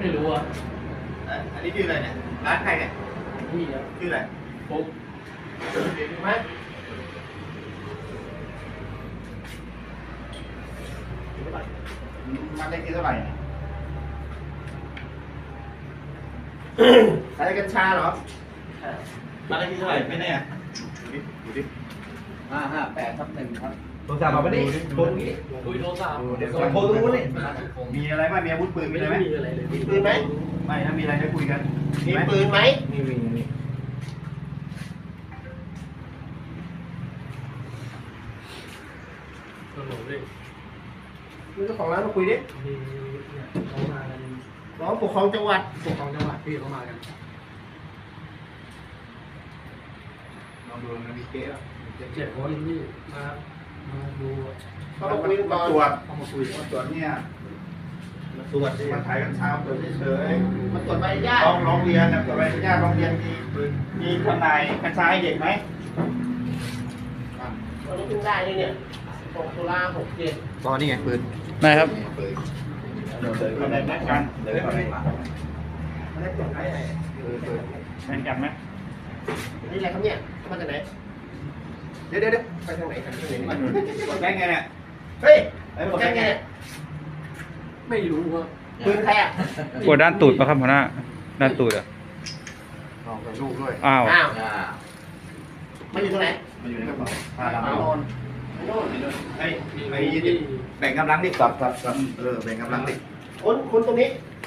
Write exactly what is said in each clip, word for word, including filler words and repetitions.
ไม่รู้อ่ะอันนี้ชื่ออะไรเนี่ยร้านใครเนี่ยนี่ครับชื่ออะไรปุ๊บเห็นไหมมันได้กี่เท่าไหร่ขายกัญชาเหรอมันได้กี่เท่าไหร่ไม่แน่ดูดิดูดิห้าห้าแปดทับหนึ่งครับโทรศัพท์มาไม่ได้โทรนี้คุยโทรศัพท์เดี๋ยวโทรตรงนู้นนี่มีอะไรบ้างมีอาวุธปืนมีอะไรไหมมีอะไรเลยมีปืนไหมไม่ถ้ามีอะไรจะคุยกันมีปืนไหมมีมีมีตลกเลยมีเจ้าของร้านมาคุยดิมีเนี่ยเขามากันร้องปกครองจังหวัดปกครองจังหวัดพี่เขามากันลองดูนะมีเก๊ะเจ็ดคนพี่มามาดูเขามาคุยมาตรวจเขามาคุยมาตรวจเนี่ยมาตรวจมาถ่ายกัญชาตรวจเฉยๆมาตรวจใบอนุญาตร้องเรียนนะตรวจใบอนุญาตร้องเรียนมีมีทนายกัญชาให้เด็กไหมวันนี้เพิ่งได้เลยเนี่ยหกตุลาหกเจ็ดตอนนี้ไงปืนได้ครับปืนเดี๋ยวเดินมาได้กันเดินมาได้มาได้ตรวจไหนแข่งกันไหมนี่อะไรครับเนี่ยมาจากไหนเดี๋ยวเดี๋ยวไปทางไหนกันที่ไหนมาตรวจได้ไงเนี่ยเฮ้ยไอ้ตรวจแกได้ไงไงเนี่ยไม่รู้ว่าปืนใครอ่ะปวดด้านตูดปะครับหัวหน้า ด้านตูดอ่ะลองกับลูกด้วยอ้าวอ้าวมันอยู่ตรงไหนมันอยู่ในกระเป๋าพาปาเราโนนโน่นไอ้ไอ้ยี่แบ่งกำลังดิสับสับสับเออแบ่งกำลังดิคุณคุณตรงนี้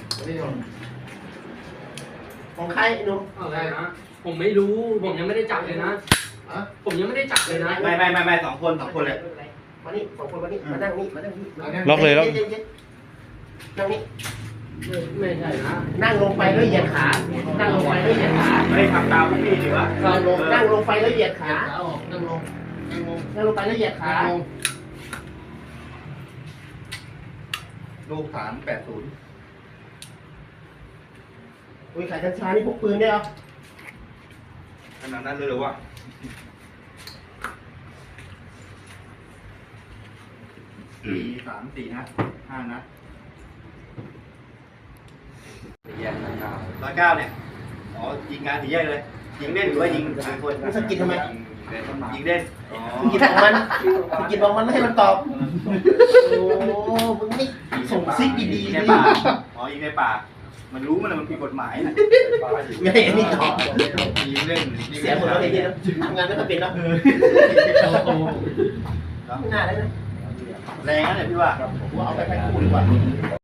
ของใครหนุ่มอะไรนะ ผมไม่รู้ ผมยังไม่ได้จับเลยนะอ่ะผมยังไม่ได้จับเลยนะไม่ไม่ไม่ไม่สองคนสองคนเลยมานี่สองคนมานี่มานั่งนี่มานั่งนี่ล็อกเลยล็อกนั่งนี่ไม่ไม่ใช่นะนั่งลงไปแล้วเหยียดขา นั่งลงไปแล้วเหยียดขาไม่ทำตามพวกพี่ดีวะนั่งลงนั่งลงไปแล้วเหยียดขานั่งลงนั่งลงนั่งลงไปแล้วเหยียดขาลูกฐานแปดศูนย์อุ้ยขายกัญชานี่พกปืนได้เหรอขนาดนั้นเลยหรือวะสี่สามสี่นัดห้านัดสี่แยกร้อยเก้าร้อยเก้าเนี่ยอ๋อยิงงานสี่แยกเลยยิงเล่นหรือว่ายิงสามคนมันสะกิดทำไมยิงเล่นอ๋อสะกิดของมันสะกิดของมันไม่ให้มันตอบ โอ้มึงไม่ส่งซิกดีๆในเลยป่าอ๋อยิงในป่ามันรู้มันมันผิดกฎหมายนะไม่ให้อันนี้ตอบยิงเล่นเสียหมดแล้วไอ้นี่นะทำงานไม่ค่อยเป็นแล้วไม่น่าเลยนะแรงนะเนี่ยพี่ว่าผมว่าเอาไปแพ็คคู่ดีกว่า